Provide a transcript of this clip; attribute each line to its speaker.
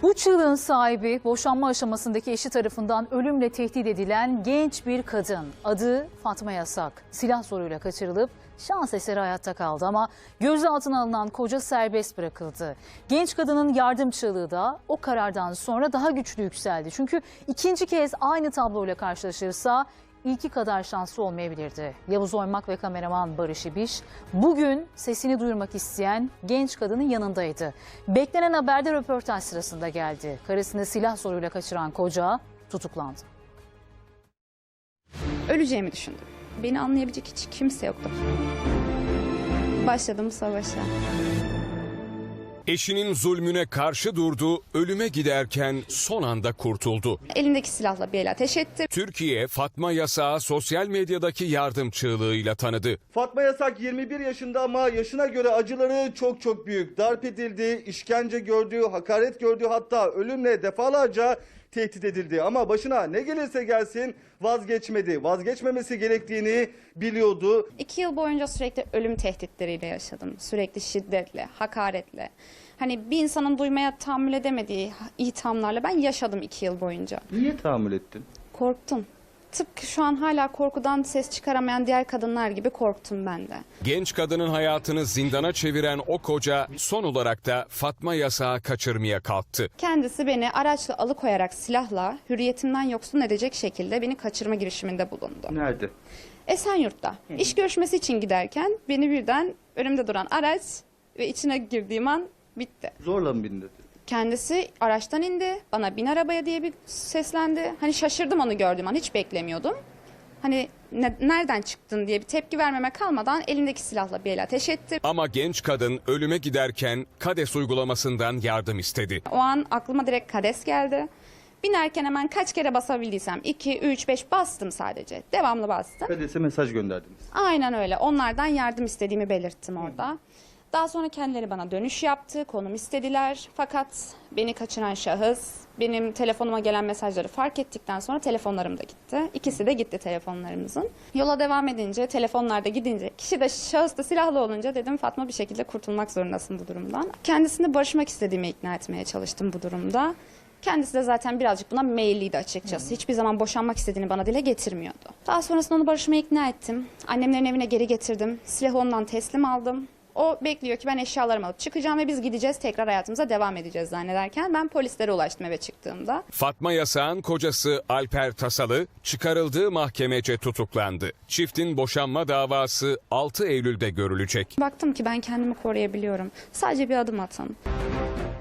Speaker 1: Bu çığlığın sahibi boşanma aşamasındaki eşi tarafından ölümle tehdit edilen genç bir kadın. Adı Fatma Yasak. Silah zoruyla kaçırılıp şans eseri hayatta kaldı ama gözaltına alınan koca serbest bırakıldı. Genç kadının yardım çığlığı da o karardan sonra daha güçlü yükseldi. Çünkü ikinci kez aynı tabloyla karşılaşırsa İlki kadar şanslı olmayabilirdi. Yavuz Oymak ve kameraman Barış İbiş bugün sesini duyurmak isteyen genç kadının yanındaydı. Beklenen haberde röportaj sırasında geldi. Karısını silah zoruyla kaçıran koca tutuklandı.
Speaker 2: Öleceğimi düşündüm. Beni anlayabilecek hiç kimse yoktu. Başladım savaşa.
Speaker 3: Eşinin zulmüne karşı durdu, ölüme giderken son anda kurtuldu.
Speaker 2: Elindeki silahla bir el ateş etti.
Speaker 3: Türkiye, Fatma Yasak'ı sosyal medyadaki yardım çığlığıyla tanıdı.
Speaker 4: Fatma Yasak 21 yaşında ama yaşına göre acıları çok büyük. Darp edildi, işkence gördü, hakaret gördü, hatta ölümle defalarca tehdit edildi. Ama başına ne gelirse gelsin vazgeçmedi. Vazgeçmemesi gerektiğini biliyordu.
Speaker 2: 2 yıl boyunca sürekli ölüm tehditleriyle yaşadım. Sürekli şiddetle, hakaretle. Hani bir insanın duymaya tahammül edemediği ithamlarla ben yaşadım 2 yıl boyunca.
Speaker 4: Niye tahammül ettin?
Speaker 2: Korktum. Tıpkı şu an hala korkudan ses çıkaramayan diğer kadınlar gibi korktum ben de.
Speaker 3: Genç kadının hayatını zindana çeviren o koca son olarak da Fatma Yasak'ı kaçırmaya kalktı.
Speaker 2: Kendisi beni araçla alıkoyarak silahla hürriyetimden yoksun edecek şekilde beni kaçırma girişiminde bulundu.
Speaker 4: Nerede?
Speaker 2: Esenyurt'ta. İş görüşmesi için giderken beni birden önümde duran araç ve içine girdiğim an bitti.
Speaker 4: Zorla mı bindin?
Speaker 2: Kendisi araçtan indi, bana bin arabaya diye bir seslendi. Hani şaşırdım onu gördüğüm an, hiç beklemiyordum. Hani nereden çıktın diye bir tepki vermeme kalmadan elindeki silahla bir el ateş etti.
Speaker 3: Ama genç kadın ölüme giderken KADES uygulamasından yardım istedi.
Speaker 2: O an aklıma direkt KADES geldi. Binerken hemen kaç kere basabildiysem 2, 3, 5 bastım sadece. Devamlı bastım.
Speaker 4: KADES'e mesaj gönderdiniz.
Speaker 2: Aynen öyle. Onlardan yardım istediğimi belirttim orada. Daha sonra kendileri bana dönüş yaptı, konum istediler. Fakat beni kaçıran şahıs benim telefonuma gelen mesajları fark ettikten sonra telefonlarım da gitti. İkisi de gitti telefonlarımızın. Yola devam edince, telefonlar da gidince, kişi de şahıs da silahlı olunca dedim Fatma bir şekilde kurtulmak zorundasın bu durumdan. Kendisini barışmak istediğimi ikna etmeye çalıştım bu durumda. Kendisi de zaten birazcık buna meyilliydi açıkçası. Hiçbir zaman boşanmak istediğini bana dile getirmiyordu. Daha sonrasında onu barışmaya ikna ettim. Annemlerin evine geri getirdim. Silahı ondan teslim aldım. O bekliyor ki ben eşyalarımı alıp çıkacağım ve biz gideceğiz, tekrar hayatımıza devam edeceğiz zannederken ben polislere ulaştım eve çıktığımda.
Speaker 3: Fatma Yasak'ın kocası Alper Tasalı çıkarıldığı mahkemece tutuklandı. Çiftin boşanma davası 6 Eylül'de görülecek.
Speaker 2: Baktım ki ben kendimi koruyabiliyorum. Sadece bir adım atın.